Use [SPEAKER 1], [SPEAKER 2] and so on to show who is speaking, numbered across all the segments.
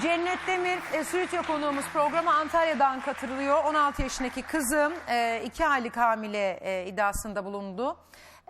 [SPEAKER 1] Cennet Demir, Stüdyo konuğumuz, programa Antalya'dan katılıyor. 16 yaşındaki kızım 2 aylık hamile iddiasında bulundu.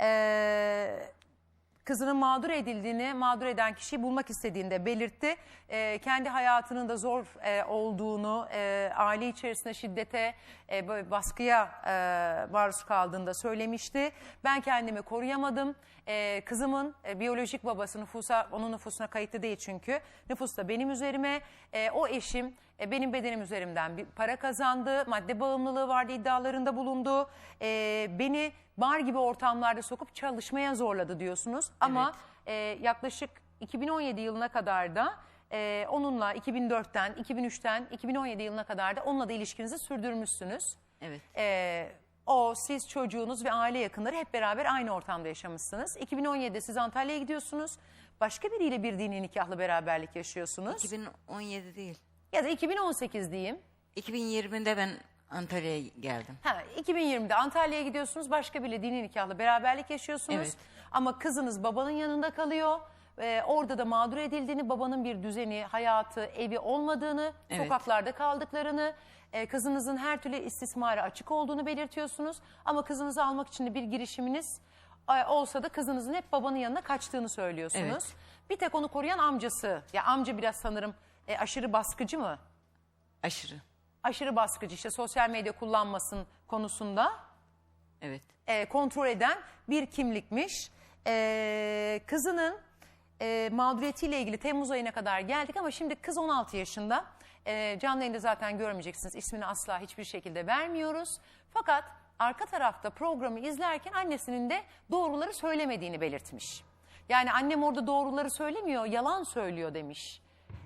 [SPEAKER 1] Kızının mağdur edildiğini, mağdur eden kişiyi bulmak istediğini de belirtti. Kendi hayatının da zor olduğunu, aile içerisinde şiddete, böyle baskıya maruz kaldığını da söylemişti. Ben kendimi koruyamadım. Kızımın biyolojik babası onun nüfusuna kayıtlı değil çünkü. Nüfus da benim üzerime. O eşim benim bedenim üzerimden bir para kazandı. Madde bağımlılığı vardı, iddialarında bulundu. Beni bar gibi ortamlarda sokup çalışmaya zorladı diyorsunuz. Ama yaklaşık 2017 yılına kadar da onunla 2004'ten, 2003'ten 2017 yılına kadar da onunla da ilişkinizi sürdürmüşsünüz.
[SPEAKER 2] Evet.
[SPEAKER 1] Siz, çocuğunuz ve aile yakınları hep beraber aynı ortamda yaşamışsınız. 2017'de siz Antalya'ya gidiyorsunuz. Başka biriyle bir dini nikahlı beraberlik yaşıyorsunuz.
[SPEAKER 2] 2017 değil.
[SPEAKER 1] Ya da 2018 diyeyim.
[SPEAKER 2] 2020'de ben Antalya'ya geldim.
[SPEAKER 1] 2020'de Antalya'ya gidiyorsunuz. Başka biriyle dini nikahlı beraberlik yaşıyorsunuz.
[SPEAKER 2] Evet.
[SPEAKER 1] Ama kızınız babanın yanında kalıyor. Orada da mağdur edildiğini, babanın bir düzeni, hayatı, evi olmadığını,
[SPEAKER 2] Evet.
[SPEAKER 1] sokaklarda kaldıklarını, kızınızın her türlü istismara açık olduğunu belirtiyorsunuz. Ama kızınızı almak için de bir girişiminiz olsa da kızınızın hep babanın yanına kaçtığını söylüyorsunuz.
[SPEAKER 2] Evet.
[SPEAKER 1] Bir tek onu koruyan amcası. Ya amca biraz sanırım aşırı baskıcı mı?
[SPEAKER 2] Aşırı.
[SPEAKER 1] Aşırı baskıcı, işte sosyal medya kullanmasın konusunda
[SPEAKER 2] Evet.
[SPEAKER 1] kontrol eden bir kimlikmiş. Kızının mağduriyetiyle ilgili Temmuz ayına kadar geldik ama şimdi kız 16 yaşında. Canlı yayında zaten görmeyeceksiniz. İsmini asla hiçbir şekilde vermiyoruz. Fakat arka tarafta programı izlerken annesinin de doğruları söylemediğini belirtmiş. Yani annem orada doğruları söylemiyor, yalan söylüyor demiş.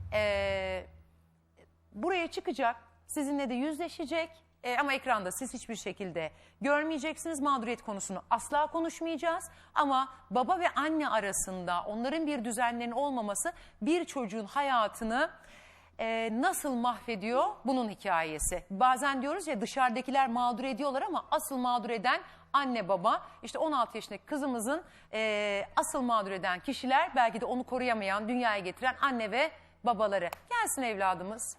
[SPEAKER 1] Buraya çıkacak, sizinle de yüzleşecek ama ekranda siz hiçbir şekilde görmeyeceksiniz. Mağduriyet konusunu asla konuşmayacağız ama baba ve anne arasında onların bir düzenlerinin olmaması bir çocuğun hayatını nasıl mahvediyor, bunun hikayesi. Bazen diyoruz ya, dışarıdakiler mağdur ediyorlar ama asıl mağdur eden anne baba. İşte 16 yaşındaki kızımızın asıl mağdur eden kişiler, belki de onu koruyamayan, dünyaya getiren anne ve babaları. Gelsin evladımız.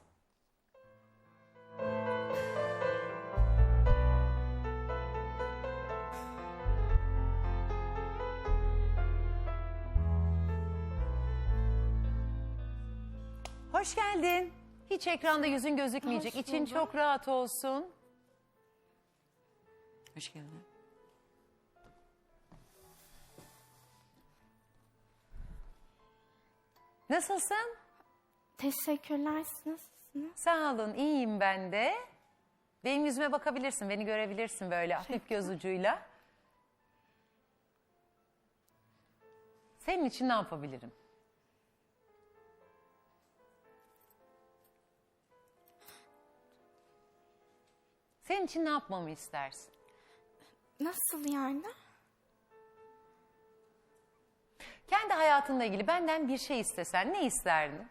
[SPEAKER 1] Hoş geldin. Hiç ekranda yüzün gözükmeyecek. İçin çok rahat olsun.
[SPEAKER 2] Hoş geldin.
[SPEAKER 1] Nasılsın?
[SPEAKER 3] Teşekkürler. Siz nasılsınız?
[SPEAKER 1] Sağ olun, iyiyim ben de. Benim yüzüme bakabilirsin, beni görebilirsin böyle hafif göz ucuyla. Senin için ne yapabilirim? Senin için ne yapmamı istersin?
[SPEAKER 3] Nasıl yani?
[SPEAKER 1] Kendi hayatınla ilgili benden bir şey istesen ne isterdin?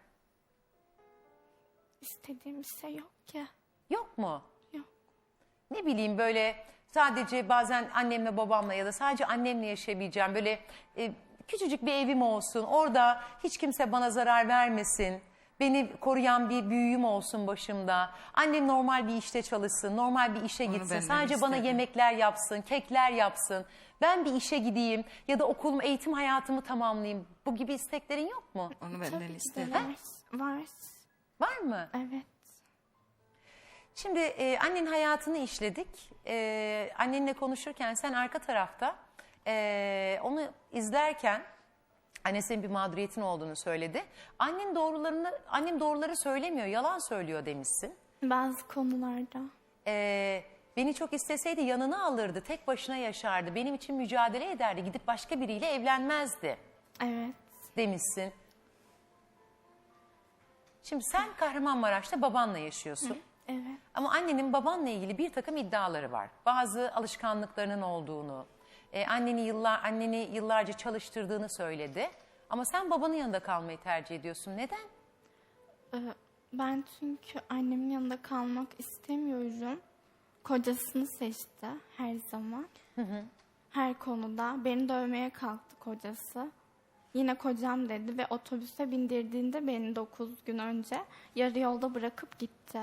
[SPEAKER 3] İstediğim bir şey yok ki.
[SPEAKER 1] Yok mu?
[SPEAKER 3] Yok.
[SPEAKER 1] Ne bileyim, böyle sadece bazen annemle babamla ya da sadece annemle yaşayabileceğim böyle küçücük bir evim olsun. Orada hiç kimse bana zarar vermesin. Beni koruyan bir büyüğüm olsun başımda. Annem normal bir işte çalışsın, normal bir işe gitsin. Sadece bana yemekler yapsın, kekler yapsın. Ben bir işe gideyim ya da okulumu, eğitim hayatımı tamamlayayım. Bu gibi isteklerin yok mu?
[SPEAKER 2] Onu benden
[SPEAKER 3] Tabii ki
[SPEAKER 2] istedim.
[SPEAKER 3] de var.
[SPEAKER 1] Var mı?
[SPEAKER 3] Evet.
[SPEAKER 1] Şimdi annenin hayatını işledik. Annenle konuşurken sen arka tarafta onu izlerken annesinin bir mağduriyetin olduğunu söyledi. Annem doğruları söylemiyor, yalan söylüyor demişsin.
[SPEAKER 3] Bazı konularda.
[SPEAKER 1] Beni çok isteseydi yanına alırdı, tek başına yaşardı, benim için mücadele ederdi, gidip başka biriyle evlenmezdi
[SPEAKER 3] Evet.
[SPEAKER 1] demişsin. Şimdi sen Kahramanmaraş'ta babanla yaşıyorsun.
[SPEAKER 3] Evet.
[SPEAKER 1] Ama annenin babanla ilgili bir takım iddiaları var. Bazı alışkanlıklarının olduğunu, anneni yıllarca çalıştırdığını söyledi. Ama sen babanın yanında kalmayı tercih ediyorsun. Neden?
[SPEAKER 3] Ben çünkü annemin yanında kalmak istemiyorum. Kocasını seçti her zaman. Her konuda. Beni dövmeye kalktı kocası. Yine kocam dedi ve otobüse bindirdiğinde beni 9 gün önce yarı yolda bırakıp gitti.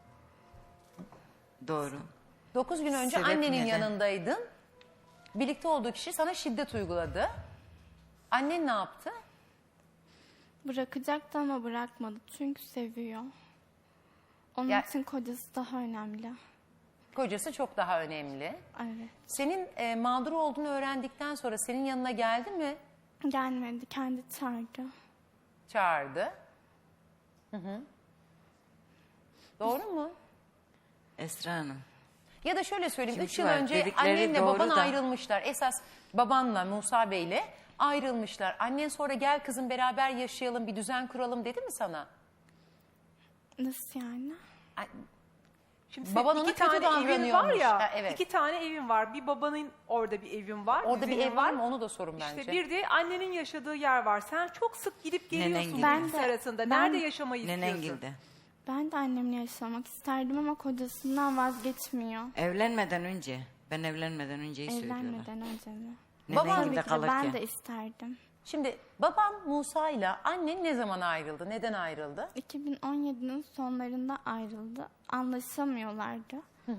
[SPEAKER 2] Doğru.
[SPEAKER 1] 9 gün önce
[SPEAKER 2] Sebep
[SPEAKER 1] annenin
[SPEAKER 2] neden?
[SPEAKER 1] yanındaydın. Birlikte olduğu kişi sana şiddet uyguladı. Annen ne yaptı?
[SPEAKER 3] Bırakacaktı ama bırakmadı çünkü seviyor. Onun
[SPEAKER 1] Ya-
[SPEAKER 3] için kocası daha önemli.
[SPEAKER 1] Kocası çok daha önemli.
[SPEAKER 3] Evet.
[SPEAKER 1] Senin mağdur olduğunu öğrendikten sonra senin yanına geldi mi?
[SPEAKER 3] Gelmedi, kendi çağırdı.
[SPEAKER 1] Çağırdı. Hı. Doğru mu?
[SPEAKER 2] Esra Hanım.
[SPEAKER 1] Ya da şöyle söyleyeyim,
[SPEAKER 2] Şimdi
[SPEAKER 1] 3
[SPEAKER 2] şu
[SPEAKER 1] yıl
[SPEAKER 2] var,
[SPEAKER 1] önce
[SPEAKER 2] dedikleri
[SPEAKER 1] annenle
[SPEAKER 2] doğru
[SPEAKER 1] baban
[SPEAKER 2] da-
[SPEAKER 1] ayrılmışlar. Esas babanla Musa Bey'le ayrılmışlar. Annen sonra gel kızım beraber yaşayalım, bir düzen kuralım dedi mi sana?
[SPEAKER 3] Nasıl yani?
[SPEAKER 1] Ay,
[SPEAKER 4] Şimdi
[SPEAKER 1] Baban
[SPEAKER 4] senin
[SPEAKER 1] ona
[SPEAKER 4] iki
[SPEAKER 1] kötü
[SPEAKER 4] tane evin var
[SPEAKER 1] davranıyormuş.
[SPEAKER 4] ya,
[SPEAKER 1] Ha, evet.
[SPEAKER 4] 2 tane evin var. Bir babanın orada bir evin var.
[SPEAKER 1] Orada bir
[SPEAKER 4] düzenin
[SPEAKER 1] ev var mı onu da sorun bence.
[SPEAKER 4] İşte bir de annenin yaşadığı yer var. Sen çok sık gidip geliyorsun
[SPEAKER 2] Nenengil.
[SPEAKER 4] bu
[SPEAKER 3] Ben
[SPEAKER 4] ikisi
[SPEAKER 3] de-
[SPEAKER 4] arasında.
[SPEAKER 3] ben-
[SPEAKER 4] Nerede yaşamayı istiyorsun?
[SPEAKER 2] Nenengil'de.
[SPEAKER 3] Ben de annemle yaşamak isterdim ama kocasından vazgeçmiyor.
[SPEAKER 2] Evlenmeden önce. Ben evlenmeden önceyi söylüyorlar.
[SPEAKER 3] Evlenmeden önce mi?
[SPEAKER 1] Baban-
[SPEAKER 3] Tabii
[SPEAKER 2] Nenengil'de
[SPEAKER 3] ki de
[SPEAKER 2] kalırken.
[SPEAKER 3] ben de isterdim.
[SPEAKER 1] Şimdi baban Musa ile annen ne zaman ayrıldı? Neden ayrıldı?
[SPEAKER 3] 2017'nin sonlarında ayrıldı. Anlaşamıyorlardı.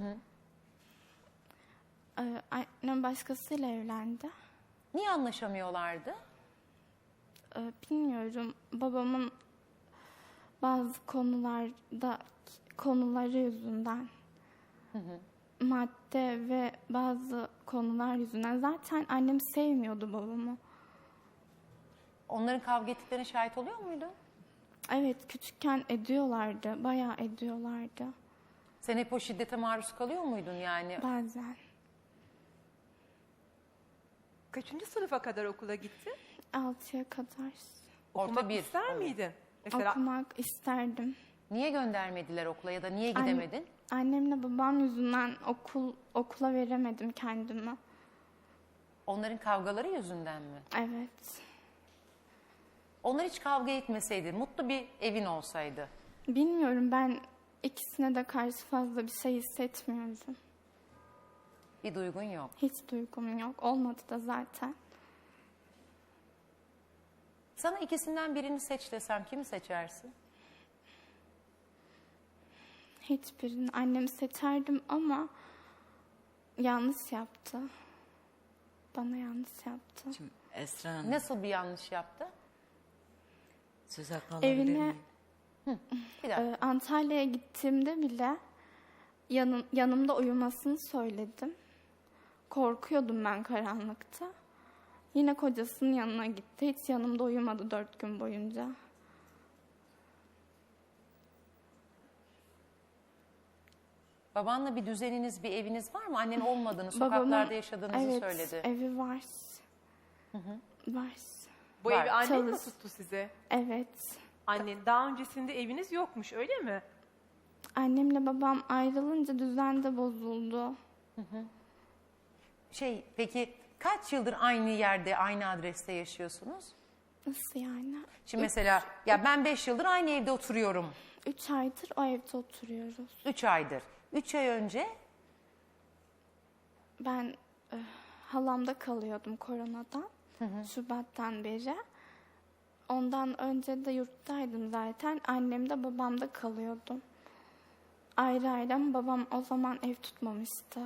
[SPEAKER 3] Annem başkasıyla evlendi.
[SPEAKER 1] Niye anlaşamıyorlardı?
[SPEAKER 3] Bilmiyorum. Babamın bazı konuları yüzünden madde ve bazı konular yüzünden zaten annem sevmiyordu babamı.
[SPEAKER 1] Onların kavga ettiklerine şahit oluyor muydun?
[SPEAKER 3] Evet, küçükken ediyorlardı. Bayağı ediyorlardı.
[SPEAKER 1] Sen hep o şiddete maruz kalıyor muydun yani?
[SPEAKER 3] Bazen.
[SPEAKER 4] Kaçıncı sınıfa kadar okula gittin?
[SPEAKER 3] 6'ya kadar
[SPEAKER 1] Orta
[SPEAKER 4] Okumak
[SPEAKER 1] bir.
[SPEAKER 4] ister
[SPEAKER 1] Evet.
[SPEAKER 4] miydin? Mesela
[SPEAKER 3] okumak isterdim.
[SPEAKER 1] Niye göndermediler okula ya da niye gidemedin?
[SPEAKER 3] Annemle babam yüzünden okula veremedim kendimi.
[SPEAKER 1] Onların kavgaları yüzünden mi?
[SPEAKER 3] Evet.
[SPEAKER 1] Onlar hiç kavga etmeseydi, mutlu bir evin olsaydı.
[SPEAKER 3] Bilmiyorum, ben ikisine de karşı fazla bir şey hissetmiyorum.
[SPEAKER 1] Bir duygun yok.
[SPEAKER 3] Hiç duygum yok. Olmadı da zaten.
[SPEAKER 1] Sana ikisinden birini seç desem kimi seçersin?
[SPEAKER 3] Hiçbirini annemi seçerdim ama yanlış yaptı. Bana yanlış yaptı.
[SPEAKER 2] Şimdi Esra Hanım.
[SPEAKER 1] Nasıl bir yanlış yaptı?
[SPEAKER 2] Söz hakkı alabilir
[SPEAKER 3] Evine
[SPEAKER 2] miyim?
[SPEAKER 1] Bir dakika.
[SPEAKER 3] Antalya'ya gittiğimde bile yanımda uyumasını söyledim. Korkuyordum ben karanlıkta. Yine kocasının yanına gitti. Hiç yanımda uyumadı 4 gün boyunca.
[SPEAKER 1] Babanla bir düzeniniz, bir eviniz var mı? Annen olmadığını, sokaklarda yaşadığınızı
[SPEAKER 3] evet,
[SPEAKER 1] söyledi.
[SPEAKER 3] evi var. Var.
[SPEAKER 4] bu
[SPEAKER 1] Var.
[SPEAKER 4] evi annen mi
[SPEAKER 3] Çalış.
[SPEAKER 4] tuttu size?
[SPEAKER 3] Evet.
[SPEAKER 4] Annen. Daha öncesinde eviniz yokmuş öyle mi?
[SPEAKER 3] Annemle babam ayrılınca düzen de bozuldu.
[SPEAKER 1] Peki kaç yıldır aynı yerde, aynı adreste yaşıyorsunuz?
[SPEAKER 3] Nasıl yani?
[SPEAKER 1] Şimdi mesela ya ben 5 yıldır aynı evde oturuyorum.
[SPEAKER 3] 3 aydır o evde oturuyoruz.
[SPEAKER 1] 3 aydır. 3 ay önce
[SPEAKER 3] Ben halamda kalıyordum koronadan. Şubat'tan beri. Ondan önce de yurttaydım zaten. Annemde babamda kalıyordum. Ayrı ayrı ama babam o zaman ev tutmamıştı.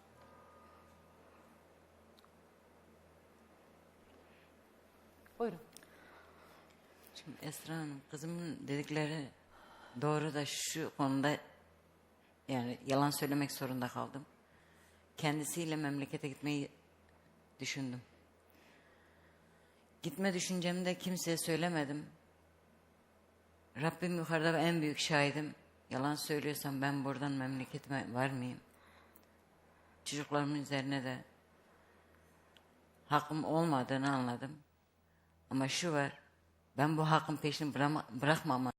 [SPEAKER 1] buyurun.
[SPEAKER 2] Şimdi Esra Hanım, kızımın dedikleri doğru da şu konuda yani yalan söylemek zorunda kaldım. Kendisiyle memlekete gitmeyi düşündüm. Gitme düşüncemi de kimseye söylemedim. Rabbim yukarıda ve en büyük şahidim. Yalan söylüyorsam ben buradan memleketime var mıyım? Çocuklarımın üzerine de hakkım olmadığını anladım. Ama şu var, ben bu hakkın peşini bırakmam.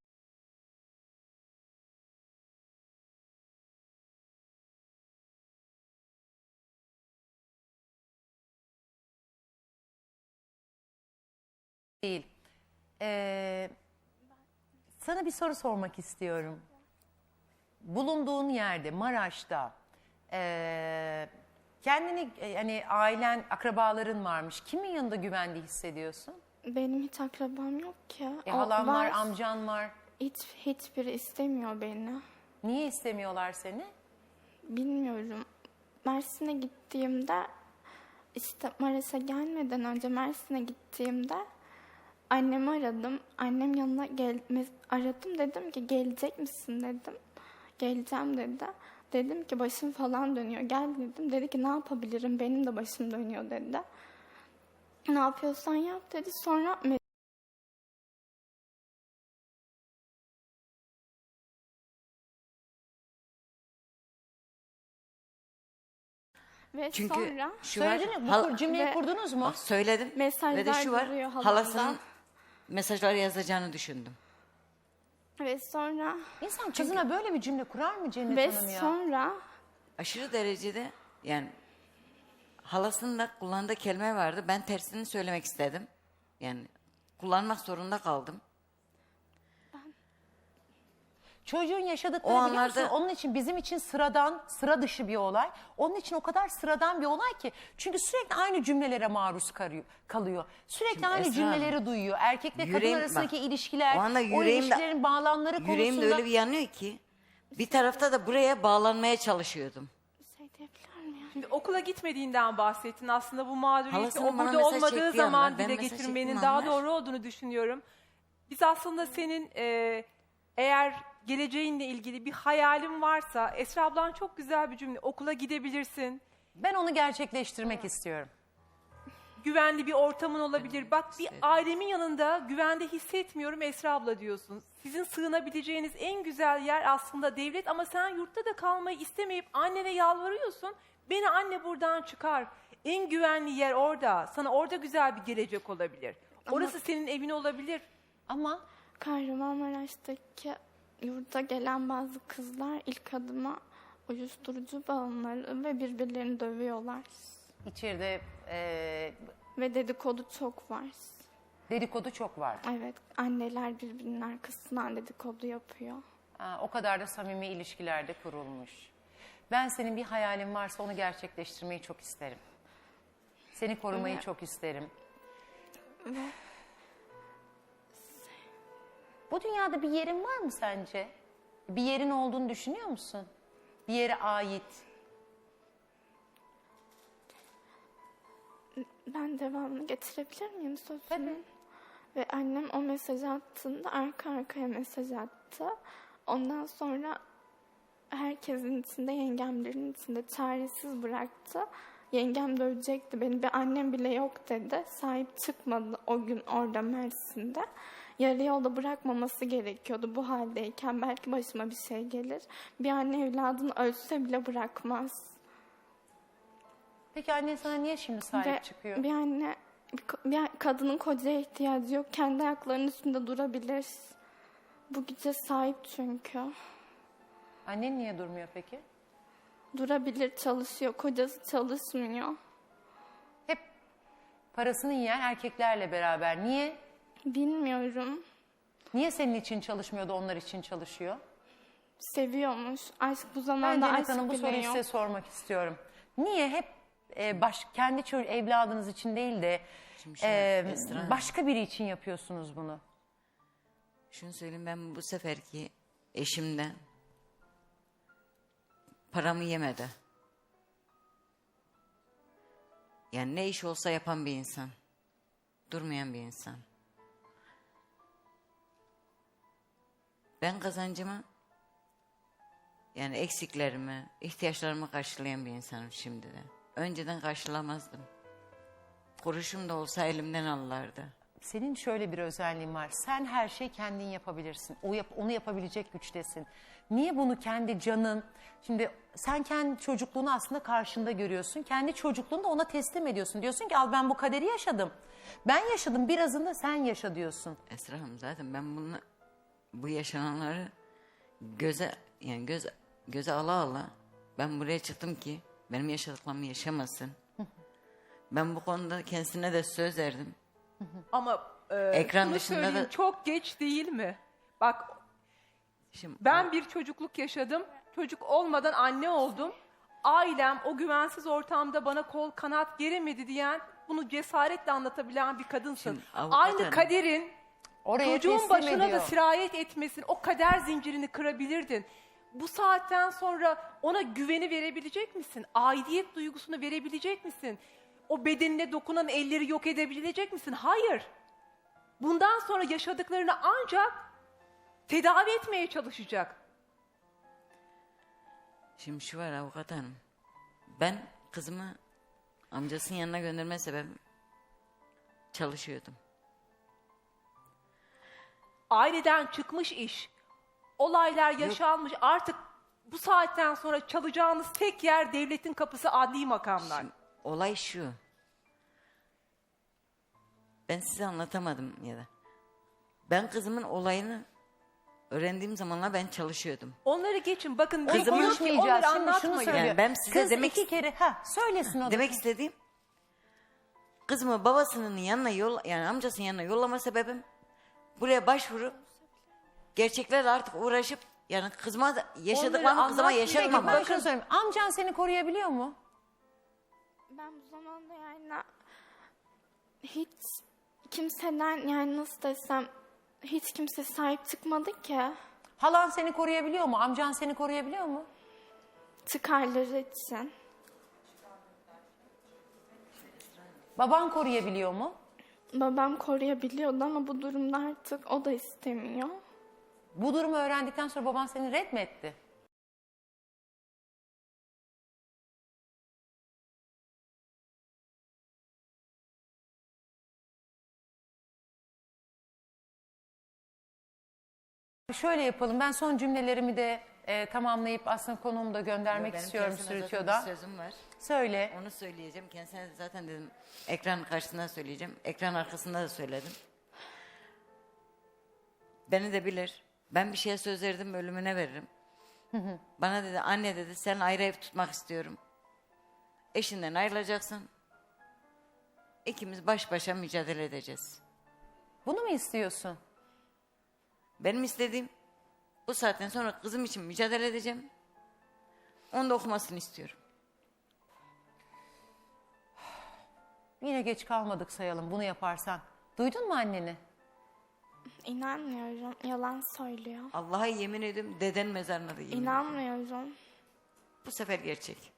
[SPEAKER 1] Değil. Sana bir soru sormak istiyorum. Bulunduğun yerde, Maraş'ta kendini hani ailen, akrabaların varmış. Kimin yanında güvende hissediyorsun?
[SPEAKER 3] Benim hiç akrabam yok ki.
[SPEAKER 1] Halan var, amcan var.
[SPEAKER 3] Hiçbiri istemiyor beni.
[SPEAKER 1] Niye istemiyorlar seni?
[SPEAKER 3] Bilmiyorum. Mersin'e gittiğimde işte Maraş'a gelmeden önce Mersin'e gittiğimde annemi aradım. Annem yanına aradım, dedim ki gelecek misin dedim. Geleceğim dedi. Dedim ki başım falan dönüyor. Gel dedim. Dedi ki ne yapabilirim? Benim de başım dönüyor dedi. Ne yapıyorsan yap dedi. Sonra ve
[SPEAKER 2] Çünkü
[SPEAKER 3] sonra
[SPEAKER 2] şu var.
[SPEAKER 1] Söyledin mi? Bu cümleyi
[SPEAKER 3] ve-
[SPEAKER 1] kurdunuz mu?
[SPEAKER 2] Bak söyledim.
[SPEAKER 3] Mesajlar
[SPEAKER 2] Ve de şu var.
[SPEAKER 3] duruyor halamda.
[SPEAKER 2] Halasının mesajlar yazacağını düşündüm.
[SPEAKER 3] ve sonra
[SPEAKER 1] İnsan kızına böyle bir cümle kurar mı Cennet
[SPEAKER 3] ve
[SPEAKER 1] Hanım ya?
[SPEAKER 3] sonra
[SPEAKER 2] Aşırı derecede yani halasının da kullandığı kelime vardı. Ben tersini söylemek istedim. Yani kullanmak zorunda kaldım.
[SPEAKER 1] Çocuğun yaşadıkları
[SPEAKER 2] O
[SPEAKER 1] biliyor musun?
[SPEAKER 2] anlarda-
[SPEAKER 1] Onun için bizim için sıradan, sıra dışı bir olay. Onun için o kadar sıradan bir olay ki. Çünkü sürekli aynı cümlelere maruz kalıyor. Sürekli
[SPEAKER 2] Şimdi
[SPEAKER 1] aynı
[SPEAKER 2] Esra
[SPEAKER 1] cümleleri
[SPEAKER 2] Hanım,
[SPEAKER 1] duyuyor. Erkekle kadın
[SPEAKER 2] yüreğim-
[SPEAKER 1] arasındaki
[SPEAKER 2] bak,
[SPEAKER 1] ilişkiler,
[SPEAKER 2] o anda
[SPEAKER 1] o ilişkilerin bağlamları
[SPEAKER 2] yüreğim de
[SPEAKER 1] konusunda...
[SPEAKER 2] öyle bir yanıyor ki bir tarafta da buraya bağlanmaya çalışıyordum.
[SPEAKER 3] bir şey diyebilir miyim?
[SPEAKER 4] Şimdi okula gitmediğinden bahsettin. Aslında bu mağduriyeti
[SPEAKER 2] Halasının
[SPEAKER 4] o
[SPEAKER 2] bana
[SPEAKER 4] burada
[SPEAKER 2] mesaj
[SPEAKER 4] olmadığı
[SPEAKER 2] çektiği
[SPEAKER 4] zaman
[SPEAKER 2] anlar, ben
[SPEAKER 4] dile
[SPEAKER 2] mesaj
[SPEAKER 4] getirmenin
[SPEAKER 2] çektiğim
[SPEAKER 4] daha
[SPEAKER 2] anlar-
[SPEAKER 4] doğru olduğunu düşünüyorum. Biz aslında senin eğer geleceğinle ilgili bir hayalin varsa, Esra ablan çok güzel bir cümle, okula gidebilirsin.
[SPEAKER 1] Ben onu gerçekleştirmek istiyorum.
[SPEAKER 4] Güvenli bir ortamın olabilir. Bak bir ailemin yanında güvende hissetmiyorum Esra abla diyorsun. Sizin sığınabileceğiniz en güzel yer aslında devlet ama sen yurtta da kalmayı istemeyip annene yalvarıyorsun. Beni anne buradan çıkar. En güvenli yer orada. Sana orada güzel bir gelecek olabilir. Orası senin evin olabilir.
[SPEAKER 1] Ama
[SPEAKER 3] Kahramanmaraş'taki yurda gelen bazı kızlar ilk adıma uyuşturucu bağımlıları ve birbirlerini dövüyorlar.
[SPEAKER 1] içeride
[SPEAKER 3] Ve dedikodu çok var.
[SPEAKER 1] dedikodu çok var.
[SPEAKER 3] Evet, anneler birbirinin arkasından dedikodu yapıyor.
[SPEAKER 1] O kadar da samimi ilişkilerde kurulmuş. Ben senin bir hayalin varsa onu gerçekleştirmeyi çok isterim. Seni korumayı
[SPEAKER 3] Evet.
[SPEAKER 1] çok isterim. Bu dünyada bir yerin var mı sence? Bir yerin olduğunu düşünüyor musun? Bir yere ait.
[SPEAKER 3] Ben devamını getirebilir miyim sözümün?
[SPEAKER 1] Tabii.
[SPEAKER 3] Ve annem o mesaj attığında arka arkaya mesaj attı. Ondan sonra herkesin içinde, yengemlerin içinde çaresiz bıraktı. Yengem de ölecekti beni. Bir annem bile yok dedi. Sahip çıkmadı o gün orada Mersin'de. Yarı yolda bırakmaması gerekiyordu bu haldeyken. Belki başıma bir şey gelir. Bir anne evladını ölse bile bırakmaz.
[SPEAKER 1] Peki annen sana niye şimdi sahip
[SPEAKER 3] Ve
[SPEAKER 1] çıkıyor?
[SPEAKER 3] bir anne, bir kadının kocaya ihtiyacı yok. Kendi ayaklarının üstünde durabilir. Bu güce sahip çünkü.
[SPEAKER 1] Annen niye durmuyor peki?
[SPEAKER 3] Durabilir, çalışıyor. Kocası çalışmıyor.
[SPEAKER 1] Hep parasını yiyen erkeklerle beraber. Niye?
[SPEAKER 3] Bilmiyorum.
[SPEAKER 1] Niye senin için çalışmıyor da onlar için çalışıyor?
[SPEAKER 3] Seviyormuş. Aşk bu
[SPEAKER 1] Ben
[SPEAKER 3] zamanda
[SPEAKER 1] Cennet
[SPEAKER 3] aşk
[SPEAKER 1] Hanım bu
[SPEAKER 3] bile
[SPEAKER 1] soruyu
[SPEAKER 3] yok.
[SPEAKER 1] size sormak istiyorum. Niye hep kendi evladınız için değil de
[SPEAKER 2] Şimdi şöyle, Esra Hanım.
[SPEAKER 1] başka biri için yapıyorsunuz bunu?
[SPEAKER 2] Şunu söyleyeyim, ben bu seferki eşimden paramı yemedi. Yani ne iş olsa yapan bir insan. Durmayan bir insan. Ben kazancımı yani eksiklerimi, ihtiyaçlarımı karşılayan bir insanım şimdi de. Önceden karşılamazdım. Kuruşum da olsa elimden alırlardı.
[SPEAKER 1] Senin şöyle bir özelliğin var. Sen her şeyi kendin yapabilirsin. Onu yapabilecek güçtesin. Niye bunu kendi canın... Şimdi sen kendi çocukluğunu aslında karşında görüyorsun. Kendi çocukluğunu da ona teslim ediyorsun. Diyorsun ki al ben bu kaderi yaşadım. Ben yaşadım, birazını da sen yaşa diyorsun.
[SPEAKER 2] Esra Hanım, zaten ben bu yaşananları göze ala ala ben buraya çıktım ki benim yaşadıklarımı yaşamasın. Ben bu konuda kendisine de söz verdim.
[SPEAKER 4] Ama
[SPEAKER 2] Ekran
[SPEAKER 4] şunu
[SPEAKER 2] dışında
[SPEAKER 4] söyleyeyim,
[SPEAKER 2] da-
[SPEAKER 4] çok geç değil mi? Bak
[SPEAKER 2] Şimdi
[SPEAKER 4] ben bir çocukluk yaşadım. Çocuk olmadan anne oldum. Ailem o güvensiz ortamda bana kol kanat geremedi diyen bunu cesaretle anlatabilen bir kadınsın.
[SPEAKER 2] Şimdi avukat
[SPEAKER 4] Aynı
[SPEAKER 2] hanım.
[SPEAKER 4] kaderin
[SPEAKER 1] Oraya
[SPEAKER 4] çocuğun
[SPEAKER 1] teslim
[SPEAKER 4] başına
[SPEAKER 1] ediyor.
[SPEAKER 4] da sirayet etmesin. O kader zincirini kırabilirdin. Bu saatten sonra ona güveni verebilecek misin? Aidiyet duygusunu verebilecek misin? O bedenine dokunan elleri yok edebilecek misin? Hayır. Bundan sonra yaşadıklarını ancak tedavi etmeye çalışacak.
[SPEAKER 2] Şimdi şu var avukat hanım. Ben kızımı amcasının yanına gönderme sebebim çalışıyordum.
[SPEAKER 4] Aileden çıkmış iş. Olaylar yaşanmış. Artık bu saatten sonra çalacağınız tek yer devletin kapısı, adli makamlar.
[SPEAKER 2] Şimdi olay şu. Ben size anlatamadım ya da. Ben kızımın olayını öğrendiğim zamanlar ben çalışıyordum.
[SPEAKER 4] Onları geçin. Bakın
[SPEAKER 1] Onu
[SPEAKER 2] Kızımın-
[SPEAKER 1] konuşmayacağız.
[SPEAKER 4] onları
[SPEAKER 1] Şimdi şunu
[SPEAKER 4] anlatmayın.
[SPEAKER 1] söylüyor.
[SPEAKER 2] Yani ben size
[SPEAKER 1] Kız
[SPEAKER 2] demek-
[SPEAKER 1] iki kere söylesin o da.
[SPEAKER 2] Demek istediğim kızımı babasının yanına yani amcasının yanına yollama sebebim buraya başvurup gerçeklerle artık uğraşıp yani kızıma yaşadıklarımı kızıma
[SPEAKER 4] anlatmayın.
[SPEAKER 1] Peki
[SPEAKER 2] yaşatmamak.
[SPEAKER 1] ben şunu söyleyeyim. Amcan seni koruyabiliyor mu?
[SPEAKER 3] Ben bu zamanda yani hiç kimseden yani nasıl desem hiç kimse sahip çıkmadı ki.
[SPEAKER 1] Halan seni koruyabiliyor mu? Amcan seni koruyabiliyor mu?
[SPEAKER 3] Çıkarları için.
[SPEAKER 1] Baban koruyabiliyor mu?
[SPEAKER 3] Babam koruyabiliyordu ama bu durumda artık o da istemiyor.
[SPEAKER 1] Bu durumu öğrendikten sonra baban seni red mi etti? Şöyle yapalım. Ben son cümlelerimi de tamamlayıp aslında konumu da göndermek
[SPEAKER 2] Benim
[SPEAKER 1] istiyorum
[SPEAKER 2] kendisine zaten
[SPEAKER 1] Sürütüyor'da.
[SPEAKER 2] bir sözüm var.
[SPEAKER 1] Söyle.
[SPEAKER 2] Onu söyleyeceğim. Kendisine zaten dedim ekran karşısında söyleyeceğim. Ekran arkasında da söyledim. Beni de bilir. Ben bir şeye söz verdim ölümüne veririm. Bana dedi anne dedi sen ayrı ev tutmak istiyorum. Eşinden ayrılacaksın. İkimiz baş başa mücadele edeceğiz.
[SPEAKER 1] Bunu mu istiyorsun?
[SPEAKER 2] Benim istediğim bu saatten sonra kızım için mücadele edeceğim. Onu da okumasını istiyorum.
[SPEAKER 1] Yine geç kalmadık sayalım bunu yaparsan. Duydun mu anneni?
[SPEAKER 3] İnanmıyorum. Yalan söylüyor.
[SPEAKER 2] Allah'a yemin ediyorum deden mezarına da yemin ediyorum.
[SPEAKER 3] İnanmıyorum.
[SPEAKER 2] Bu sefer gerçek.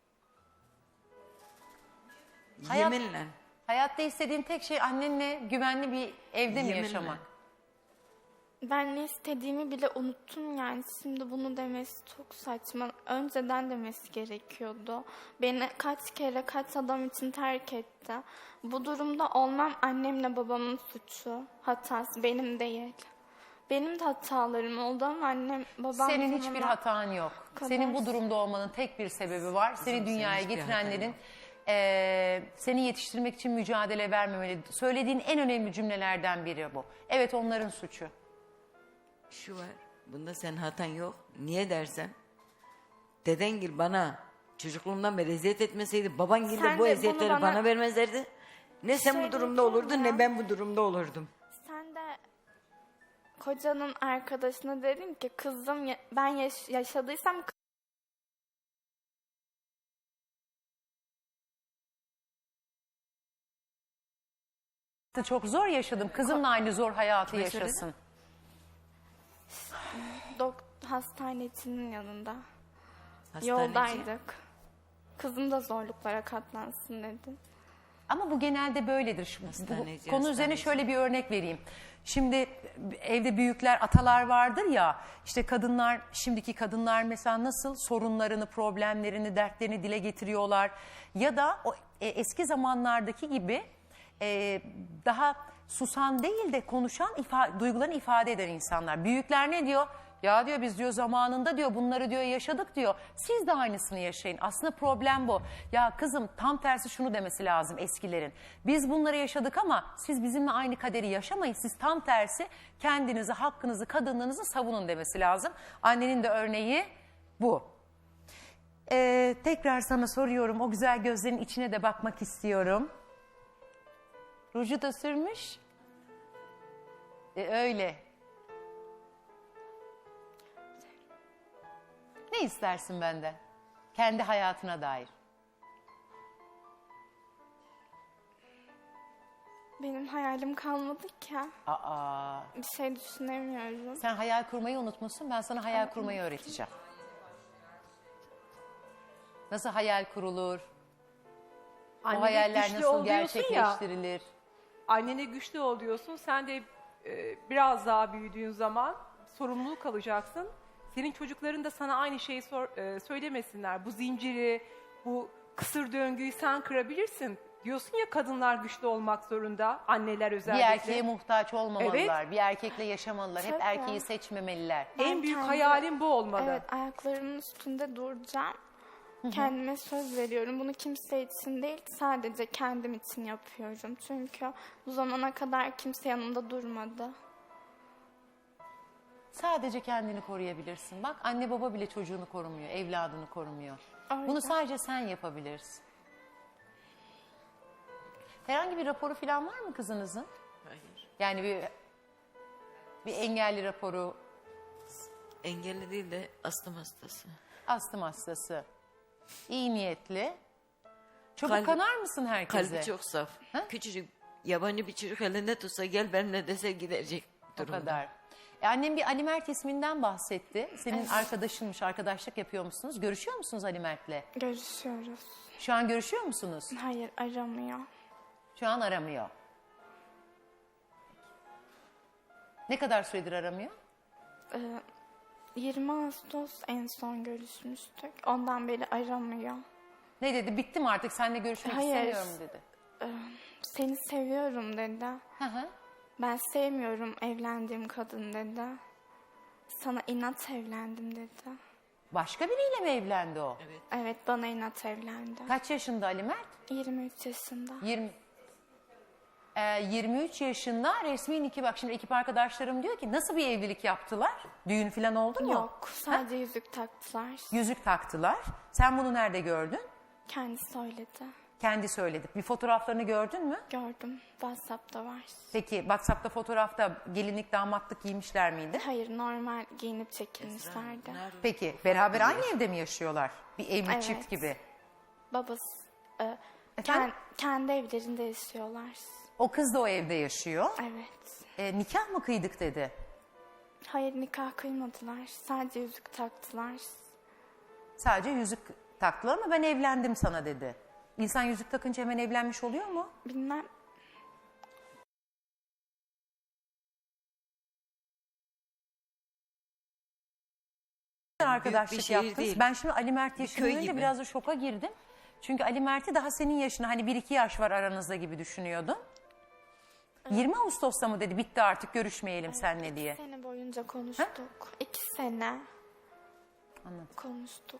[SPEAKER 1] Hayat-
[SPEAKER 2] Yeminle.
[SPEAKER 1] Hayatta istediğin tek şey annenle güvenli bir evde mi
[SPEAKER 2] Yeminle.
[SPEAKER 1] yaşamak?
[SPEAKER 3] Ben ne istediğimi bile unuttum yani. Şimdi bunu demesi çok saçma. Önceden demesi gerekiyordu. Beni kaç kere kaç adam için terk etti. Bu durumda olmam annemle babamın suçu. Hatası benim değil. Benim de hatalarım oldu ama annem babam...
[SPEAKER 1] Senin hiçbir
[SPEAKER 3] sonunda-
[SPEAKER 1] hatan yok.
[SPEAKER 3] kadar-
[SPEAKER 1] Senin bu durumda olmanın tek bir sebebi var. Seni
[SPEAKER 2] senin
[SPEAKER 1] dünyaya
[SPEAKER 2] hiçbir
[SPEAKER 1] getirenlerin seni yetiştirmek için mücadele vermemeli. Söylediğin en önemli cümlelerden biri bu. Evet onların suçu.
[SPEAKER 2] Şu var. Bunda senin hatan yok. Niye dersen. Dedengil bana çocukluğumdan beri eziyet etmeseydi babangil
[SPEAKER 3] Sen
[SPEAKER 2] de
[SPEAKER 3] de
[SPEAKER 2] bu
[SPEAKER 3] bunu
[SPEAKER 2] eziyetleri
[SPEAKER 3] bana-
[SPEAKER 2] bana vermezlerdi. Ne sen
[SPEAKER 3] Şey
[SPEAKER 2] bu durumda
[SPEAKER 3] diyeceğim
[SPEAKER 2] olurdun
[SPEAKER 3] ya.
[SPEAKER 2] ne ben bu durumda olurdum.
[SPEAKER 3] Sen de kocanın arkadaşına dedin ki kızım ben yaşadıysam
[SPEAKER 1] Çok zor yaşadım. Kızımla aynı zor hayatı
[SPEAKER 2] Kime söyledin?
[SPEAKER 1] yaşasın.
[SPEAKER 3] hastanesinin yanında.
[SPEAKER 2] Hastaneci.
[SPEAKER 3] Yoldaydık. Kızım da zorluklara katlansın dedin.
[SPEAKER 1] Ama bu genelde böyledir. Bu
[SPEAKER 2] Hastaneci,
[SPEAKER 1] konu üzerine
[SPEAKER 2] hastaneci.
[SPEAKER 1] şöyle bir örnek vereyim. Şimdi evde büyükler, atalar vardır ya, işte kadınlar, şimdiki kadınlar mesela nasıl sorunlarını, problemlerini, dertlerini dile getiriyorlar. Ya da o eski zamanlardaki gibi daha susan değil de konuşan, duygularını ifade eden insanlar. Büyükler ne diyor? Ya diyor biz diyor zamanında diyor bunları diyor yaşadık diyor. Siz de aynısını yaşayın. Aslında problem bu. Ya kızım tam tersi şunu demesi lazım eskilerin. Biz bunları yaşadık ama siz bizimle aynı kaderi yaşamayın. Siz tam tersi kendinizi, hakkınızı, kadınlığınızı savunun demesi lazım. Annenin de örneği bu. Tekrar sana soruyorum. O güzel gözlerin içine de bakmak istiyorum. Ruju da sürmüş. Öyle. Ne istersin benden? Kendi hayatına dair.
[SPEAKER 3] Benim hayalim kalmadı ki.
[SPEAKER 1] Aa,
[SPEAKER 3] Bir şey düşünemiyorum.
[SPEAKER 1] sen hayal kurmayı unutmuşsun. Ben sana hayal kurmayı öğreteceğim. Nasıl hayal kurulur? O
[SPEAKER 4] Annene
[SPEAKER 1] hayaller
[SPEAKER 4] güçlü
[SPEAKER 1] nasıl
[SPEAKER 4] ol diyorsun ya.
[SPEAKER 1] gerçekleştirilir?
[SPEAKER 4] Annene güçlü ol diyorsun. Sen de biraz daha büyüdüğün zaman sorumluluk alacaksın. Senin çocukların da sana aynı şeyi söylemesinler. Bu zinciri, bu kısır döngüyü sen kırabilirsin. Diyorsun ya, kadınlar güçlü olmak zorunda, anneler
[SPEAKER 1] Bir
[SPEAKER 4] özellikle.
[SPEAKER 1] erkeğe muhtaç olmamalılar. Bir erkekle yaşamalılar. Hep
[SPEAKER 3] Tabii.
[SPEAKER 1] erkeği seçmemeliler.
[SPEAKER 3] Ben
[SPEAKER 4] En büyük
[SPEAKER 3] kendi-
[SPEAKER 4] hayalim bu olmalı.
[SPEAKER 3] Evet, ayaklarımın üstünde duracağım. Kendime söz veriyorum. Bunu kimse için değil, sadece kendim için yapıyorum. Çünkü bu zamana kadar kimse yanımda durmadı.
[SPEAKER 1] Sadece kendini koruyabilirsin. Bak anne baba bile çocuğunu korumuyor, evladını korumuyor.
[SPEAKER 3] Öyle.
[SPEAKER 1] Bunu sadece sen yapabilirsin. Herhangi bir raporu falan var mı kızınızın?
[SPEAKER 2] Hayır.
[SPEAKER 1] Yani bir engelli raporu,
[SPEAKER 2] Engelli değil de astım hastası.
[SPEAKER 1] astım hastası, iyi niyetli. Çabuk
[SPEAKER 2] Kalbi-
[SPEAKER 1] kanar mısın herkese?
[SPEAKER 2] Kalbi çok saf.
[SPEAKER 1] Ha?
[SPEAKER 2] Küçücük yabancı bir çocuk elinde tutsa gel benimle dese gidecek
[SPEAKER 1] O
[SPEAKER 2] durumda.
[SPEAKER 1] kadar. Annem bir Ali Mert isminden bahsetti. Senin arkadaşınmış, arkadaşlık yapıyormuşsunuz. Görüşüyor musunuz Ali Mert'le?
[SPEAKER 3] Görüşüyoruz.
[SPEAKER 1] Şu an görüşüyor musunuz?
[SPEAKER 3] Hayır, aramıyor.
[SPEAKER 1] Şu an aramıyor. Ne kadar süredir aramıyor?
[SPEAKER 3] 20 Ağustos en son görüşmüştük. Ondan beri aramıyor.
[SPEAKER 1] Ne dedi? Bitti mi artık? Seninle görüşmek
[SPEAKER 3] Hayır.
[SPEAKER 1] istemiyorum dedi.
[SPEAKER 3] Seni seviyorum dedi.
[SPEAKER 1] Hı hı.
[SPEAKER 3] Ben sevmiyorum evlendiğim kadın dedi. Sana inat evlendim dedi.
[SPEAKER 1] Başka biriyle mi evlendi o?
[SPEAKER 2] Evet.
[SPEAKER 3] Evet, bana inat evlendi.
[SPEAKER 1] Kaç yaşında Ali Mert?
[SPEAKER 3] 23 yaşında.
[SPEAKER 1] 23 yaşında resmi nikah. Bak şimdi ekip arkadaşlarım diyor ki nasıl bir evlilik yaptılar? Düğün falan oldu mu?
[SPEAKER 3] Yok, sadece yüzük taktılar.
[SPEAKER 1] Yüzük taktılar. Sen bunu nerede gördün?
[SPEAKER 3] Kendi söyledi.
[SPEAKER 1] Kendi söyledi. Bir fotoğraflarını gördün mü?
[SPEAKER 3] Gördüm, WhatsApp'ta var.
[SPEAKER 1] Peki WhatsApp'ta fotoğrafta gelinlik damatlık giymişler miydi?
[SPEAKER 3] Hayır, normal giyinip çekilmişlerdi.
[SPEAKER 2] Nerede?
[SPEAKER 1] Peki beraber aynı evde mi yaşıyorlar? Bir evli
[SPEAKER 3] Evet.
[SPEAKER 1] çift gibi.
[SPEAKER 3] Babası,
[SPEAKER 1] Efendim?
[SPEAKER 3] kendi evlerinde yaşıyorlar.
[SPEAKER 1] O kız da o evde yaşıyor.
[SPEAKER 3] Evet.
[SPEAKER 1] Nikah mı kıydık dedi.
[SPEAKER 3] Hayır, nikah kıymadılar. Sadece yüzük taktılar.
[SPEAKER 1] Sadece yüzük taktılar ama ben evlendim sana dedi. İnsan yüzük takınca hemen evlenmiş oluyor mu?
[SPEAKER 3] Bilmem.
[SPEAKER 1] Arkadaşlık
[SPEAKER 2] şehir
[SPEAKER 1] yaptınız.
[SPEAKER 2] değil.
[SPEAKER 1] Ben şimdi Ali Mert
[SPEAKER 2] köy
[SPEAKER 1] yaşını duyunca
[SPEAKER 2] gibi.
[SPEAKER 1] biraz da şoka girdim. Çünkü Ali Mert'i daha senin yaşına hani 1-2 yaş var aranızda gibi düşünüyordum. 20 Ağustos'ta mı dedi bitti artık görüşmeyelim seninle diye.
[SPEAKER 3] 2 sene boyunca konuştuk. 2 sene
[SPEAKER 1] Anladım.
[SPEAKER 3] konuştuk.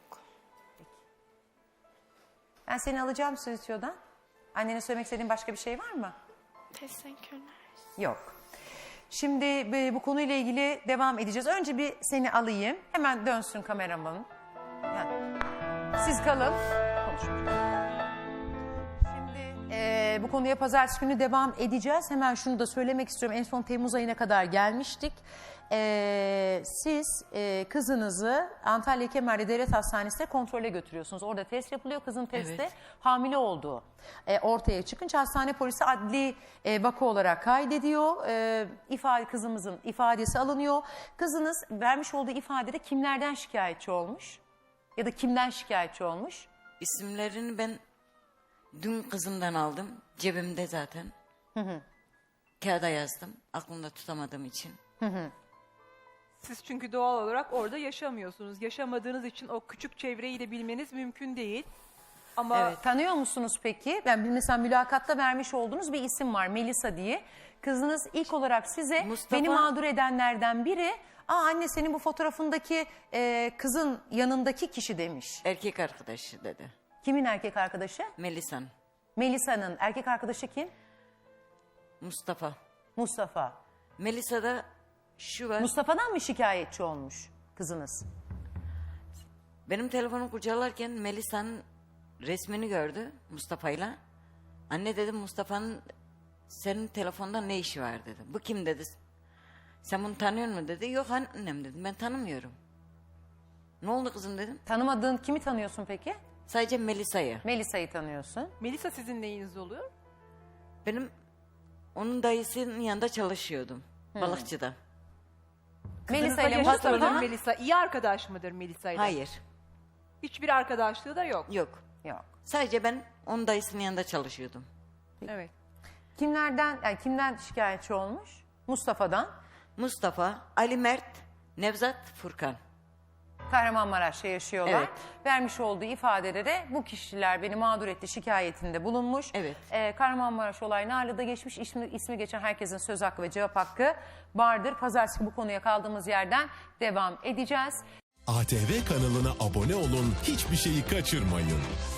[SPEAKER 1] Ben seni alacağım stüdyodan. Annene söylemek istediğin başka bir şey var mı?
[SPEAKER 3] Teşekkürler.
[SPEAKER 1] Yok. Şimdi bu konuyla ilgili devam edeceğiz. Önce bir seni alayım. Hemen dönsün kameramanın. Yani, siz kalın. Konuşuruz. Şimdi bu konuya pazartesi günü devam edeceğiz. Hemen şunu da söylemek istiyorum. En son Temmuz ayına kadar gelmiştik. Siz kızınızı Antalya Kemer'de Devlet Hastanesi'ne kontrole götürüyorsunuz. Orada test yapılıyor. Kızın testte
[SPEAKER 2] Evet.
[SPEAKER 1] hamile olduğu ortaya çıkınca hastane polisi adli vaka olarak kaydediyor. Kızımızın ifadesi alınıyor. Kızınız vermiş olduğu ifadede kimlerden şikayetçi olmuş? Ya da kimden şikayetçi olmuş?
[SPEAKER 2] İsimlerini ben dün kızımdan aldım. Cebimde zaten. Kağıda yazdım. Aklımda tutamadığım için.
[SPEAKER 4] Siz çünkü doğal olarak orada yaşamıyorsunuz. Yaşamadığınız için o küçük çevreyi de bilmeniz mümkün değil. Ama
[SPEAKER 2] Evet.
[SPEAKER 1] Tanıyor musunuz peki? Ben mesela mülakatta vermiş olduğunuz bir isim var Melisa diye. Kızınız ilk olarak size
[SPEAKER 2] Mustafa-
[SPEAKER 1] beni mağdur edenlerden biri anne senin bu fotoğrafındaki kızın yanındaki kişi demiş.
[SPEAKER 2] Erkek arkadaşı dedi.
[SPEAKER 1] Kimin erkek arkadaşı?
[SPEAKER 2] Melisan.
[SPEAKER 1] Melisa'nın erkek arkadaşı kim?
[SPEAKER 2] Mustafa.
[SPEAKER 1] Mustafa.
[SPEAKER 2] Melisa'da şu var.
[SPEAKER 1] Mustafa'dan mı şikayetçi olmuş kızınız?
[SPEAKER 2] Benim telefonumu kurcalarken Melisa'nın resmini gördü Mustafa'yla. Anne dedim Mustafa'nın senin telefonda ne işi var dedi. Bu kim dedi. Sen bunu tanıyor musun dedi. Yok annem dedim ben tanımıyorum. Ne oldu kızım dedim.
[SPEAKER 1] Tanımadığın kimi tanıyorsun peki?
[SPEAKER 2] Sadece Melisa'yı.
[SPEAKER 1] Melisa'yı tanıyorsun.
[SPEAKER 4] Melisa sizin neyiniz oluyor?
[SPEAKER 2] Benim Onun dayısının yanında çalışıyordum. Balıkçıda.
[SPEAKER 1] Melisa
[SPEAKER 4] Kızınızla
[SPEAKER 1] ile
[SPEAKER 4] yaşıt mıdır
[SPEAKER 1] Mustafa.
[SPEAKER 4] Melisa? İyi arkadaş mıdır Melisa ile?
[SPEAKER 2] Hayır.
[SPEAKER 4] Hiçbir arkadaşlığı da yok.
[SPEAKER 2] Yok.
[SPEAKER 1] Yok.
[SPEAKER 2] Sadece ben onun dayısının yanında çalışıyordum.
[SPEAKER 4] Evet.
[SPEAKER 1] Kimden şikayetçi olmuş? Mustafa'dan.
[SPEAKER 2] Mustafa, Ali Mert, Nevzat, Furkan.
[SPEAKER 1] Kahramanmaraş'ta yaşıyorlar.
[SPEAKER 2] Evet.
[SPEAKER 1] Vermiş olduğu ifadede de bu kişiler beni mağdur etti şikayetinde bulunmuş.
[SPEAKER 2] Evet.
[SPEAKER 1] Kahramanmaraş olay Narlı'da geçmiş. İsmi geçen herkesin söz hakkı ve cevap hakkı vardır. Pazartesi bu konuya kaldığımız yerden devam edeceğiz.
[SPEAKER 5] ATV kanalına abone olun, hiçbir şeyi kaçırmayın.